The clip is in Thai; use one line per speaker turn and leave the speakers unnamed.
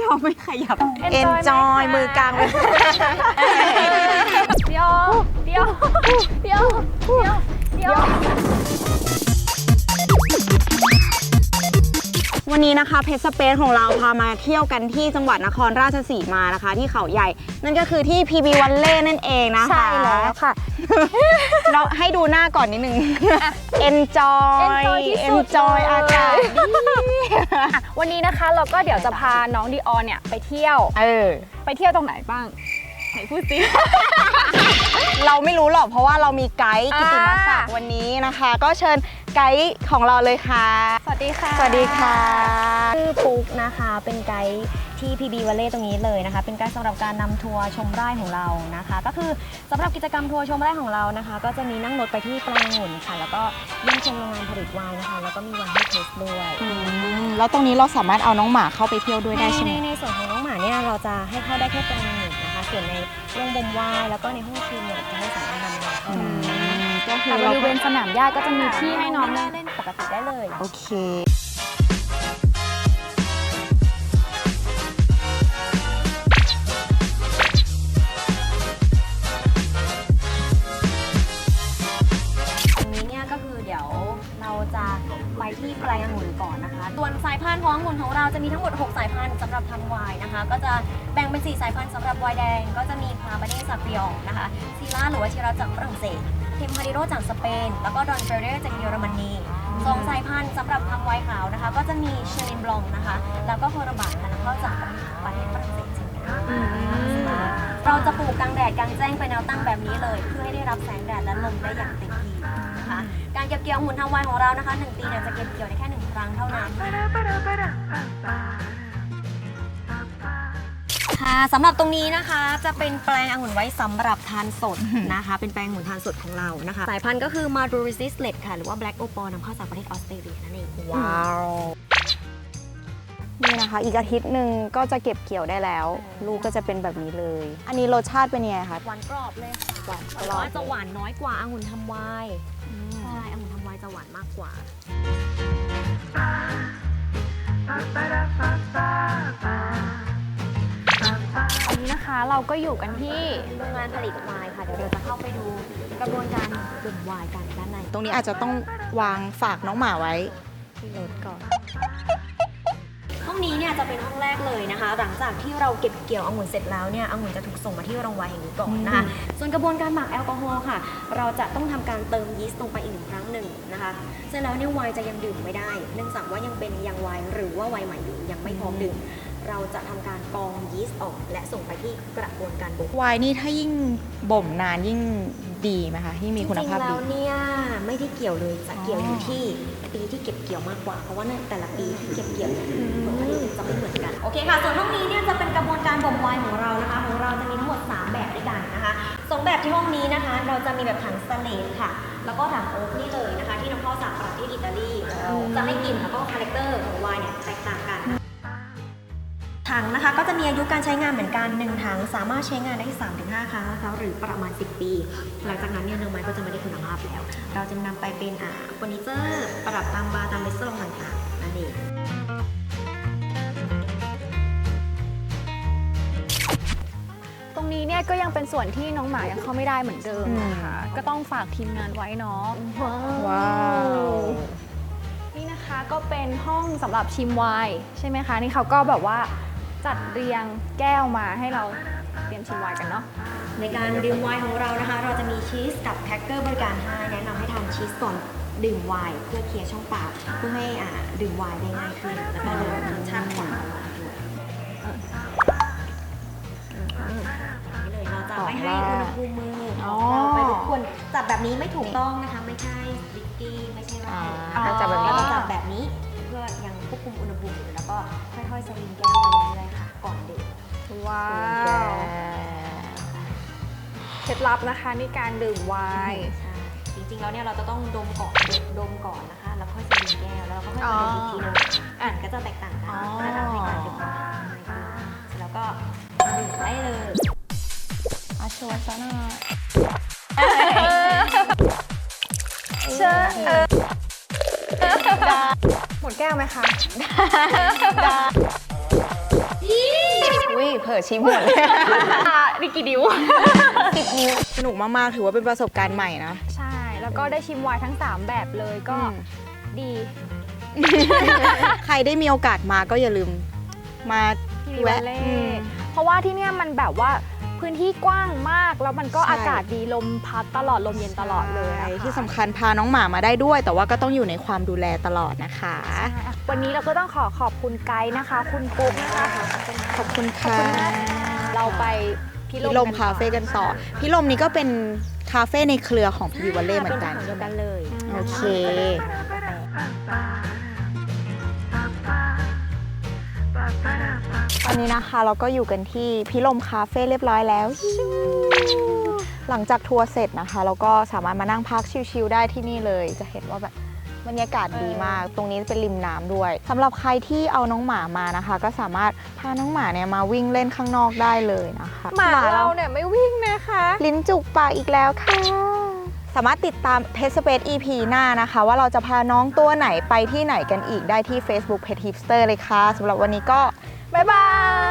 เขาไม่ขยับ Enjoy มือกลางเลย
เดี๋ยว
วันนี้นะคะเพชรสเปซของเราพามาเที่ยวกันที่จังหวัดนครราชสีมานะคะที่เขาใหญ่นั่นก็คือที่ PB Valley นั่นเองนะคะ
ใช่แล้วค่ะ
เราให้ดูหน้าก่อนนิดนึง Enjoy อากาศดี
วันนี้นะคะเราก็เดี๋ยวจะพาน้องดีออนเนี่ยไปเที่ยวไปเที่ยวตรงไหนบ้างไหนพูดสิ
เราไม่รู้หรอกเพราะว่าเรามีไกด์กิติมศักดิ์วันนี้นะคะ ก็เชิญไกด์ของเราเลยค่ะ
สวัสดีค่ะ
สวัสดีค่ะ
ชื่อปุ๊กนะคะเป็นไกด์ที่ PB Valley ตรงนี้เลยนะคะเป็นไกด์สำหรับการนำทัวร์ชมไร่ของเรานะคะก็คือสำหรับกิจกรรมทัวร์ชมไร่ของเรานะคะก็จะมีนั่งรถไปที่แปลงองุ่นค่ะแล้วก็เยี่ยมชมโรงงานผลิตไวน์นะคะแล้วก็มีไวน์ให้เทสด้วย
แล้วตรงนี้เราสามารถเอาน้องหมาเข้าไปเที่ยวด้วยได้ใช่ไหม
ในส่วนของน้องหมาเนี่ยเราจะให้เข้าได้แค่แปลงองุ่นนะคะส่วนในโรงบ่มไวน์แล้วก็ในห้องชิมเนี่ยจะไม่สามารถนำมาเข้าได้
ก็คือ
แต่บ
เรา
ริเวณสนามหญ้าก็จะมีที่ให้น้อง
เล่นปกติได้เลย
โอเค
ตรงนี้เนี่ยก็คือเดี๋ยวเราจะไปที่แปลงองุ่นก่อนนะคะส่วนสายพันธุ์ขององุ่นของเราจะมีทั้งหมด6สายพันธุ์สำหรับทำไวน์นะคะก็จะแบ่งเป็น4สายพันธุ์สำหรับไวน์แดงก็จะมีคาร์บาเน่ซาฟิองนะคะซีล่าหรือว่าชิราจากฝรั่งเศสเทมพาริโรจากสเปนแล้วก็ดอนเฟเรจากเยอรมนี2สายพันธุ์สำหรับทำไวน์ขาวนะคะก็จะมีเชลินบลองนะคะแล้วก็โคราบาค่ะนำเข้าจากประเทศฝรั่งเศสเช่นกันเราจะปลูกกลางแดดกลางแจ้งเป็นแนวตั้งแบบนี้เลยเพื่อให้ได้รับแสงแดดและลมได้อย่างเต็มที่นะคะการเก็บเกี่ยวองุ่นทำไวน์ของเรานะคะ1 ปีเนี่ยจะเก็บเกี่ยวได้แค่1 ครั้งเท่านั้นค่ะสำหรับตรงนี้นะคะจะเป็นแปลงองุ่นไว้สำหรับทานสดนะคะเป็นแปลงองุ่นทานสดของเรานะคะสายพันธุ์ก็คือ Marlborough Resistless ค่ะหรือว่า Black Opal นำเข้าจากประเทศออสเตรเลียนั่นเอง
ว้าวนี่นะคะอีกอาทิตย์หนึ่งก็จะเก็บเกี่ยวได้แล้ว ลูกก็จะเป็นแบบนี้เลย อันนี้รสชาติเป็นยังไงคะ
หวานกรอบเลยค่ะ
หวานกร
แต่
อบ
ว่าจะหวานน้อยกว่าองุ่นทำไวน์ใช่องุ่นทำไวน์จะหวานมากกว่า
อันนี้นะคะเราก็อยู่กันที่
โรงงานผลิตไวน์ค่ะเดี๋ยวเราจะเข้าไปดูกระบวนการดื่มไวน์กันด้านใน
ตรงนี้อาจจะต้องวางฝากน้องหมาไว้ที่รถก่อน
ห้องนี้เนี่ยจะเป็นห้องแรกเลยนะคะ หลังจากที่เราเก็บเกี่ยวองุ่นเสร็จแล้วเนี่ยองุ่นจะถูกส่งมาที่โรงไวน์แห่งนี้ก่อนนะคะส่วนกระบวนการหมักแอลกอฮอล์ค่ะ เราจะต้องทำการเติมยีสต์ลงไปอีก1 ครั้งนะคะเสร็จแล้วเนี่ยไวน์จะยังดื่มไม่ได้ เนื่องจากว่ายังเป็นยังไวน์หรือว่าไวน์ใหม่อยู่ยังไม่พร้อมดื่มเราจะทำการกรองยีสต์ออกและส่งไปที่กระบวนการบ่ม
ไวน์นี่ถ้ายิ่งบ่มนานยิ่งดีไหมคะยิ่งมีคุณภาพ
จริงๆ
ดี
แล้วเนี่ยไม่ได้เกี่ยวเลยจะเกี่ยวอยู่ที่ปีที่เก็บเกี่ยวมากกว่าเพราะว่าในแต่ละปีที่เก็บเกี่ยวผลผลิตจะไม่เหมือนกันโอเคค่ะส่วนห้องนี้เนี่ยจะเป็นกระบวนการบ่มไวน์ของเรานะคะของเราจะมีทั้งหมด3แบบด้วยกันนะคะ2แบบที่ห้องนี้นะคะเราจะมีแบบถังสเตนเลสค่ะแล้วก็ถังโอ๊กนี่เลยนะคะที่นำเข้าจากประเทศอิตาลีจะให้กลิ่นแล้วก็คาแรคเตอร์ของไวน์เนี่ยแตกต่างกันถังนะคะก็จะมีอายุการใช้งานเหมือนกัน1 ถังสามารถใช้งานได้ 3-5 ครั้งนะคะหรือประมาณ10 ปีหลังจากนั้นเนี่ยเนื้อไม้ก็จะไม่ได้คุณภาพแล้วเราจะนำไปเป็นเฟอร์นิเจอร์ประดับตามบาร์ตามเรสโตรองต่างๆนั่นเอง
ตรงนี้เนี่ยก็ยังเป็นส่วนที่น้องหมายังเข้าไม่ได้เหมือนเดิมนะคะก็ต้องฝากทีมงานไว้เนาะ
ว้าว
นี่นะคะก็เป็นห้องสำหรับชิมไวน์ใช่ไหมคะนี่เขาก็แบบว่าจัดเรียงแก้วมาให้เราเตรียมชิมไวน์กันเนาะ
ในการดื่มไวน์ของเรานะคะเราจะมีชีสกับแครกเกอร์บริการให้แนะนำให้ทานชีสก่อนดื่มไวน์เพื่อเคลียร์ช่องปากเพื่อให้ดื่มไวน์ได้ง่ายขึ้นแล้วก็ลดรสชาติของไวน์ด้วยนี่เลยเราจะไม่ให้อุณหภูมิมือเราไปรบกวนจับแบบนี้ไม่ถูกต้องนะคะไม่ใช่ลิกกี้ไม่ใช่ว่าเราจับแบบนี้เราจับแบบนี้เพื่อยังควบคุมอุณหภูมิอยู่แล้วก็ค่อยๆสลิงแก้วไปเรื่อยๆค่ะก่อนดื่ม
ว้าวเคล็ดลับนะคะในการดื่มไวน์
ใช่จริงๆแล้วเนี่ยเราจะต้องดมก่อนนะคะแล้วค่อยสลิงแก้วแล้วเราก็ค่อยมาดมอีกทีนึงก็จะแตกต่างกันเพื่อทำให้การดื่มง่ายขึ้นแล้วก็ดื่มได้เลย
อาชวนซะหน่อย
เชิญหมดแก้วไหมคะ
ได้ผลอๆชิมหมดเลย
นี่กี่ดิว
10 นิ้วสนุกมากๆถือว่าเป็นประสบการณ์ใหม่นะ
ใช่ แล้วก็ได้ชิมไวน์ทั้ง 3 แบบเลยก็ดี
ใครได้มีโอกาสมาก็อย่าลืมมา
พีวาเล่เพราะว่าที่เนี่ยมันแบบว่าพื้นที่กว้างมากแล้วมันก็
ใช่
อากาศดีลมพัดตลอดลมเย็นตลอดเลยอะค่ะ
ที่สำคัญพาน้องหมามาได้ด้วย แต่ว่าก็ต้องอยู่ในความดูแลตลอดนะคะ
ใช่วันนี้เราก็ต้องขอบคุณไกด์นะคะ คุณปุ๊กนะคะ
ขอบคุณค่ะ
เราไป
พิลมคาเฟ่กันต่อพิลมนี้ก็เป็นคาเฟ่ในเครือของพีวีวัลเล่เหมือนกัน
เป็นของเดียวกันเลย
โอเค ตอนนี้นะคะเราก็อยู่กันที่พิลมคาเฟ่เรียบร้อยแล้ว หลังจากทัวร์เสร็จนะคะ เราก็สามารถมานั่งพักชิลๆได้ที่นี่เลย จะเห็นว่าแบบบรรยากาศดีมาก ตรงนี้เป็นริมน้ำด้วยสำหรับใครที่เอาน้องหมามานะคะ ก็สามารถพาน้องหมาเนี่ยมาวิ่งเล่นข้างนอกได้เลยนะคะ
หมาเราเนี่ยไม่วิ่งนะคะ
ลิ้นจุกปากอีกแล้วค่ะ สามารถติดตาม Pet Space EP หน้านะคะ ว่าเราจะพาน้องตัวไหนไปที่ไหนกันอีกได้ที่ Facebook Pet Hipster เลยค่ะสำหรับวันนี้ก็บ๊ายบาย